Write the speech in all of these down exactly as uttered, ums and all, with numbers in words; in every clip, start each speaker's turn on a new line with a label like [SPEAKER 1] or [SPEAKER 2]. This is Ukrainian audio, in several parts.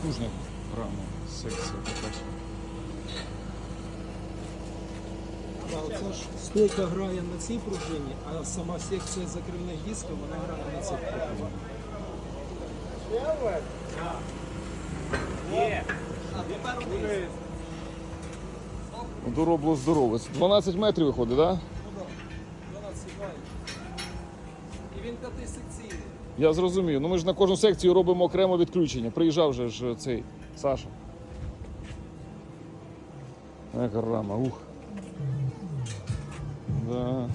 [SPEAKER 1] потужна рама, секція така.
[SPEAKER 2] Да, оце ж стойка грає на цій пружині, а сама секція закривних дисків, вона грає на цих пружинах.
[SPEAKER 1] Доробло здорове. дванадцять метрів виходить, так? Да?
[SPEAKER 2] Ну так, дванадцять вай. І він п'ятисекційний.
[SPEAKER 1] Я зрозумів. Ну ми ж на кожну секцію робимо окремо відключення. Приїжджав же ж цей Саша. Яка рама, ух. Да.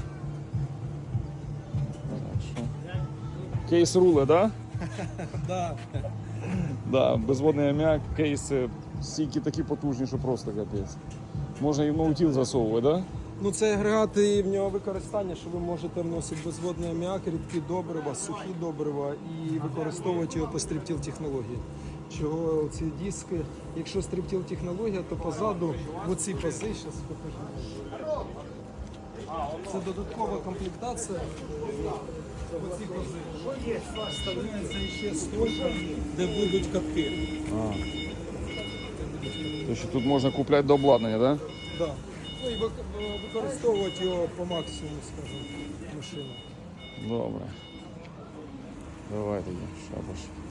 [SPEAKER 1] Так, що? Кейс руле, да?
[SPEAKER 2] Да.
[SPEAKER 1] Да, безводний аміак, кейси, стійки такі потужні, що просто капець. Можна і в ноутіл засовувати, да?
[SPEAKER 2] Ну це агрегат і в нього використання, що ви можете вносити безводний аміак, рідкі добрива, сухі добрива і використовувати його по стриптіл технології. Чого ці диски, якщо стриптіл технологія, то позаду в оці пази, зараз покажу. Це додаткова комплектація. Оці пази. Вставляється ще стойка, де будуть катки.
[SPEAKER 1] А. Тобто тут можна купляти до обладнання, так? Да?
[SPEAKER 2] Да. Ну і вик- використовувати його по максимуму, скажімо, машину.
[SPEAKER 1] Добре. Давай тоді, шабаш.